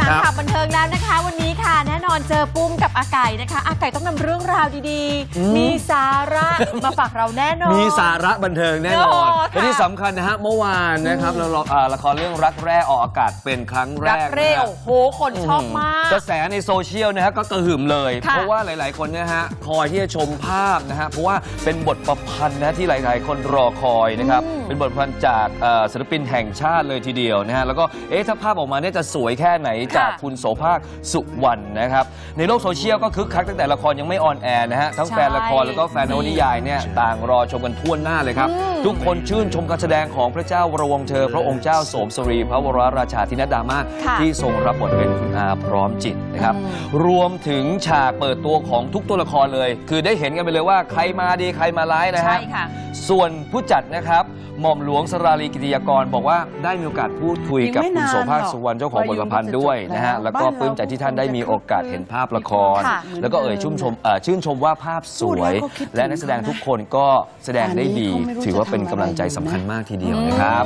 านข่าวบันเทิงแล้วนะคะวันนี้ค่ะแน่นอนเจอปุ้มกับอาไก่นะคะอาไก่ต้องนำเรื่องราวดีๆมีสาระมาฝากเราแน่นอนมีสาระบันเทิงแน่นอนและที่สำคัญนะฮะเมื่อวานนะครับเราละครเรื่องรักแร่ออกอากาศเป็นครั้งแรกรักแร่โอ้โหคนชอบมากกระแสในโซเชียลนะฮะก็กระหึ่มเลยเพราะว่าหลายๆคนนะฮะคอยที่จะชมภาพนะฮะเพราะว่าเป็นบทประพันธ์นะที่หลายๆคนรอคอยนะครับเป็นบทประพันธ์จากศิลปินแห่งชาติเลยทีเดียวนะฮะแล้วก็ถ้าภาพออกมาเนี่ยจะสวยแค่ไหนจากคุณโสภาคสุวรรณนะครับในโลกโซเชียลก็คึกคักตั้งแต่ละครยังไม่ออนแอร์นะฮะทั้งแฟนละครแล้วก็แฟนนวนิยายเนี่ยต่างรอชมกันทั่วหน้าเลยครับทุกคนชื่นชมการแสดงของพระเจ้าวรวงเธอพระองค์เจ้าโสมสรีพระวรราชาธินดามากที่ทรงรับบทเป็นคุณอาพร้อมจิตนะครับรวมถึงฉากเปิดตัวของทุกตัวละครเลยคือได้เห็นกันไปเลยว่าใครมาดีใครมาร้ายนะฮะส่วนผู้จัดนะครับหม่อมหลวงสราลีกิติยากรบอกว่าได้มีโอกาสพูดคุยกับคุณโสภาคสุวรรณเจ้าของบทประพันธ์ด้วยนะฮะแล้วก็ปลื้มใจที่ท่านได้มีโอกาสเห็นภาพละครแล้วก็ชื่นชมว่าภาพสวยและนักแสดงทุกคนก็แสดงได้ดีถือว่าเป็นกำลังใจสำคัญมากทีเดียวนะครับ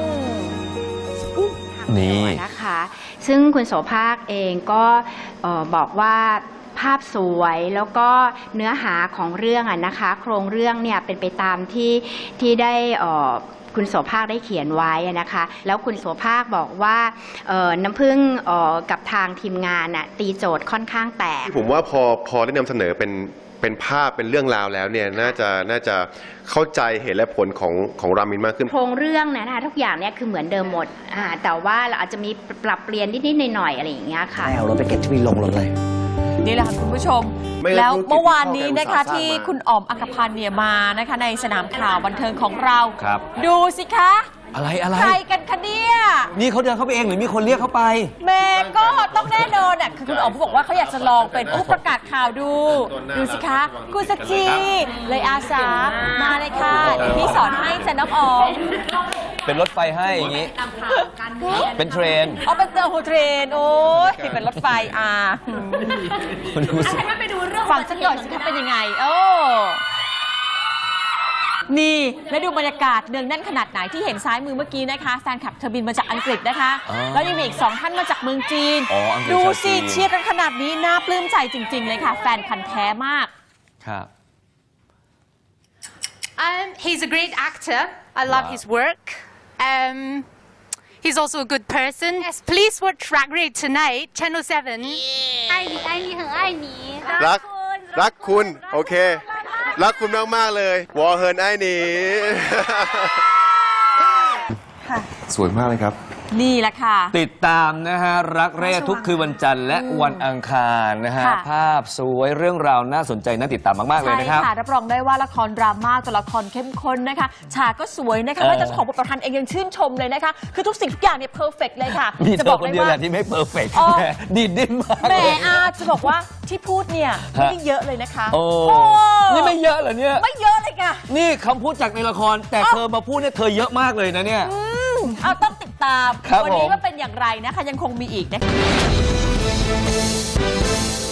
นี่นะคะซึ่งคุณโสภาคเองก็บอกว่าภาพสวยแล้วก็เนื้อหาของเรื่องนะคะโครงเรื่องเนี่ยเป็นไปตามที่ได้คุณโสภาคได้เขียนไว้นะคะแล้วคุณโสภาคบอกว่าน้ำผึ้งกับทางทีมงานตีโจทย์ค่อนข้างแตกผมว่าพอได้นำเสนอเป็นภาพเป็นเรื่องราวแล้วเนี่ยน่าจะเข้าใจเหตุและผลของรามินมากขึ้นโครงเรื่องนะคะทุกอย่างเนี่ยคือเหมือนเดิมหมดแต่ว่าเราอาจจะมีปรับเปลี่ยนนิดๆหน่อยๆอะไรอย่างเงี้ยค่ะเอารถไปเก็บที่วีลงรถเลยนี่แหละค่ะคุณผู้ชมแล้วเมื่อวานนี้นะคะที่คุณอ๋อมอัครพันธ์เนี่ยมานะคะในสนามข่าวบันเทิงของเราดูสิคะอะไรใครกันคะเนี่ยนี่เขาเดินเข้าไปเองหรือมีคนเรียกเขาไปแม่ก็ต้องแน่นอนคือคุณอ๋อมเขาบอกว่าเขาอยากจะลองเป็นผู้ประกาศข่าวดูสิคะคุณสัจจีเลยอาสามาเลยค่ะพี่สอนให้จะน้องอ๋อมเป็นรถไฟให้อย่างนี้เป็นเทรนเป็นเทรนโอ้ยเป็นรถไฟฟังสักหน่อยสิคะเป็นยังไงนี่และดูบรรยากาศเนืองแน่นขนาดไหนที่เห็นซ้ายมือเมื่อกี้นะคะแฟนคลับเธอบินมาจากอังกฤษนะคะแล้วยังมีอีก2ท่านมาจากเมืองจีนดูสิเชียร์กันขนาดนี้น่าปลื้มใจจริงๆเลยค่ะแฟนพันธุ์แท้มากครับ He's a great actor. I love his work. He's also a good person. Yes, please watch Drag Race tonight, Channel 7. 爱你爱你很爱你รักคุณโอเครักคุณมากๆเลยวอเฮิร์นไอ้หนีสวยมากเลยครับนี่แหละค่ะติดตามนะฮะรักแร่ทุกคืนวันจันทร์และวันอังคารนะฮะภาพสวยเรื่องราวน่าสนใจน่าติดตามมากๆเลยนะครับใช่ค่ะรับรองได้ว่าละครดราม่าตัวละครเข้มข้นนะคะฉากก็สวยนะคะแม้แต่ของบทประพันธ์เองยังชื่นชมเลยนะคะคือทุกสิ่งทุกอย่างเนี่ยเพอร์เฟกต์เลยค่ะจะบอกคนเดียวแหละที่ไม่เพอร์เฟกต์ดีดิ้นมากแหมจะบอกว่าที่พูดเนี่ยไม่ได้เยอะเลยนะคะนี่ไม่เยอะเหรอเนี่ยไม่เยอะเลยค่ะนี่คำพูดจากในละครแต่เธอมาพูดเนี่ยเธอเยอะมากเลยนะเนี่ยต้องติดตามวันนี้ว่าเป็นอย่างไรนะคะยังคงมีอีกนะคะ